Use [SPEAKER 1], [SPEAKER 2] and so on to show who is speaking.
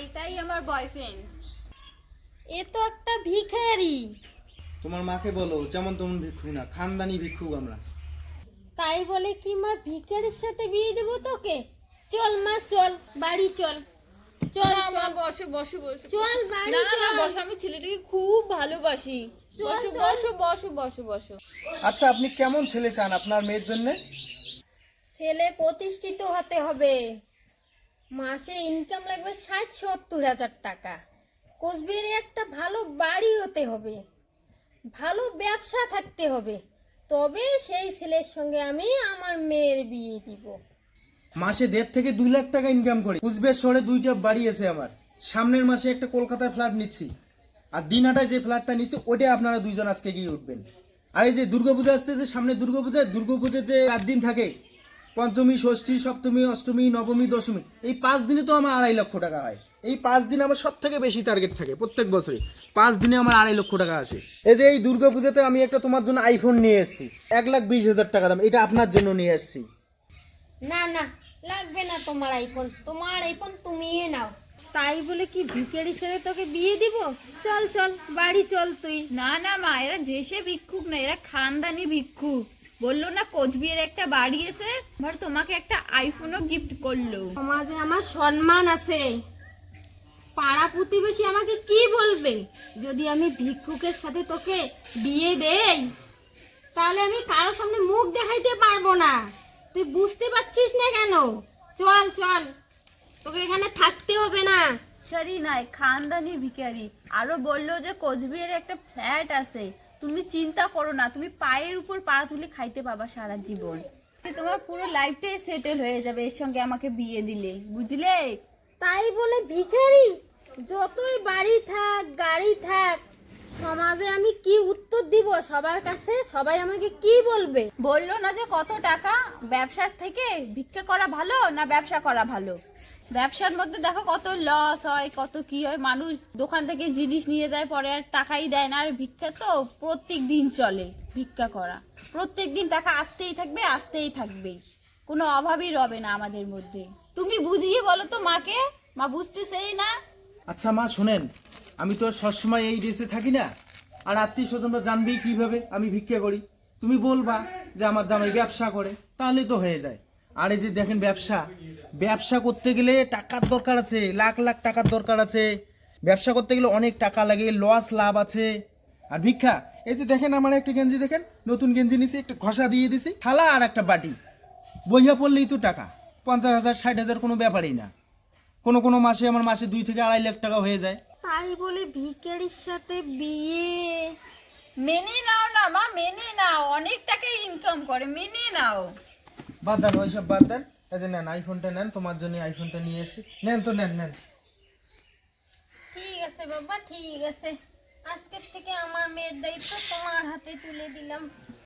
[SPEAKER 1] এটাই আমার বয়ফ্রেন্ড।
[SPEAKER 2] এ তো একটা ভিখারি।
[SPEAKER 3] তোমার মাকে বলো যেমন তেমন ভিক্ষুক না, খানদানি ভিক্ষুক আমরা।
[SPEAKER 2] তাই বলে কি মা ভিখারির সাথে বিয়ে দেবো তোকে? চল মা চল, বাড়ি চল। চল
[SPEAKER 1] না মা,
[SPEAKER 2] চল
[SPEAKER 1] বসো বসো বসো।
[SPEAKER 2] চল বাড়ি
[SPEAKER 1] না না
[SPEAKER 2] চল।
[SPEAKER 1] বসো, আমি ছেলেটাকে খুব ভালোবাসি।
[SPEAKER 2] চল,
[SPEAKER 1] বসো
[SPEAKER 2] চল।
[SPEAKER 1] বসো বসো বসো বসো।
[SPEAKER 3] আচ্ছা, আপনি কেমন ছেলে চান আপনার মেয়ের জন্য?
[SPEAKER 2] ছেলে প্রতিষ্ঠিত হতে হবে, মাসে ইনকাম লাগবে 60-70 হাজার টাকা। কোচবিহারে একটা ভালো বাড়ি হতে হবে, ভালো ব্যবসা থাকতে হবে, তবে সেই ছেলের সঙ্গে আমি আমার মেয়ের বিয়ে দিব।
[SPEAKER 3] মাসে 1.5 থেকে 2 লাখ টাকা ইনকাম করি। কুচবিহার শহরে 2টা বাড়ি আছে আমার। সামনের মাসে একটা কলকাতায় ফ্ল্যাট নিচ্ছি, আর দিনহাটায় যে ফ্ল্যাটটা নিচ্ছি ওটা আপনারা দুইজন আজকে গিয়ে উঠবেন। আর এই যে দুর্গাপূজা আসতেছে, সামনে দুর্গাপূজা যে 4 দিন থাকে, পঞ্চমী, ষষ্ঠী, সপ্তমী, অষ্টমী, নবমী, দশমী, এই 5 দিনে তো আমার 2.5 লক্ষ টাকা হয়। এই 5 দিনে আমার সব থেকে বেশি টার্গেট থাকে প্রত্যেক বছরে। 5 দিনে আমার 2.5 লক্ষ টাকা আসে। এই যে এই দুর্গাপূজাতে আমি একটা তোমার জন্য আইফোন নিয়ে এসেছি, 1,20,000 টাকা দাম। এটা আপনার জন্য নিয়ে এসেছি।
[SPEAKER 2] না না, লাগবে না তোমার আইফোন, তোমার আইফোন তুমিই নাও। তাই বলে কি ভিখারির সাথে তোকে বিয়ে দিব? চল চল বাড়ি চল তুই।
[SPEAKER 1] না না মা, এরা যেসে ভিক্ষুক না, এরা খানদানি ভিক্ষুক। বললো না কোচবিহারে একটা বাড়ি আছে, এবার তোমাকে একটা আইফোনও গিফট করলো।
[SPEAKER 2] সমাজে আমার সম্মান আছে, পাড়া প্রতিবেশী আমাকে কি বলবে যদি আমি ভিক্ষুকের সাথে তোকে বিয়ে দেই? তাহলে আমি কারোর সামনে মুখ দেখাইতে পারবো না। তুই বুঝতে পারছিস না কেন? চল চল, তোকে এখানে থাকতে হবে না।
[SPEAKER 1] ভিখারি নাই, খানদানি ভিখারি। আরো বললো যে কোচবিহারে একটা ফ্ল্যাট আছে, তুমি চিন্তা করো না, তুমি পায়ের উপর পা তুলে খাইতে পাবা সারা জীবন। তোমার পুরো লাইফটাই সেটেল হয়ে যাবে এর সঙ্গে আমাকে বিয়ে দিলে, বুঝলে?
[SPEAKER 2] তাই বলে ভিখারি? যতই বাড়ি থাক গাড়ি থাক, সমাজে আমি কি উত্তর দিব সবার কাছে? সবাই আমাকে কি বলবে?
[SPEAKER 1] বললো না যে কত টাকা, ব্যবসা থেকে ভিক্ষা করা ভালো না ব্যবসা করা ভালো? ব্যবসার মধ্যে দেখো কত লস হয়, কত কি হয়, মানুষ দোকান থেকে জিনিস নিয়ে যায় পরে আর টাকাই দেয় না। আর ভিক্ষা তো প্রত্যেক দিন চলে, ভিক্ষা করা প্রত্যেক দিন টাকা আসতেই থাকবে আসতেই থাকবে, কোনো অভাবই রবে না আমাদের মধ্যে। তুমি বুঝিয়ে বলো তো মাকে, মা বুঝতেছেই না।
[SPEAKER 3] আচ্ছা মা শোনেন, আমি তো আর সবসময় এই দেশে থাকি না, আর আত্মীয় স্বজনরা জানবেই কিভাবে আমি ভিক্ষা করি? তুমি বলবা যে আমার জামাই ব্যবসা করে, তাহলেই তো হয়ে যায়। আর এই যে দেখেন, ব্যবসা করতে গেলে টাকার দরকার আছে, লাখ লাখ টাকার দরকার আছে। ব্যবসা করতে গেলে অনেক টাকা লাগে, লস লাভ আছে। আর ভিক্ষা, এই যে দেখেন আমার একটা গেঞ্জি, দেখেন নতুন গেঞ্জি নিয়েছি, একটা ঘষা দিয়ে দিছি, থালা আর একটা বাটি, বইয়া পড়লেই তো টাকা 50,000 60,000 কোনো ব্যাপারই না। কোনো মাসে আমার মাসে 2 থেকে 2.5 লাখ টাকা হয়ে যায়।
[SPEAKER 2] তাই বলে ভিখারির সাথে বিয়ে?
[SPEAKER 1] মেনে নাও না মা, মেনে নাও, অনেক টাকা ইনকাম করে, মেনে নাও।
[SPEAKER 3] বাদ দেন ওইসব, বাদ দেন। এই যে নেন আইফোনটা নেন, তোমার জন্য আইফোনটা নিয়ে এসেছি। নেন তো, নেন।
[SPEAKER 2] ঠিক আছে বাবা, ঠিক আছে, আজকের থেকে আমার মেয়ের দায়িত্ব তোমার হাতে তুলে দিলাম।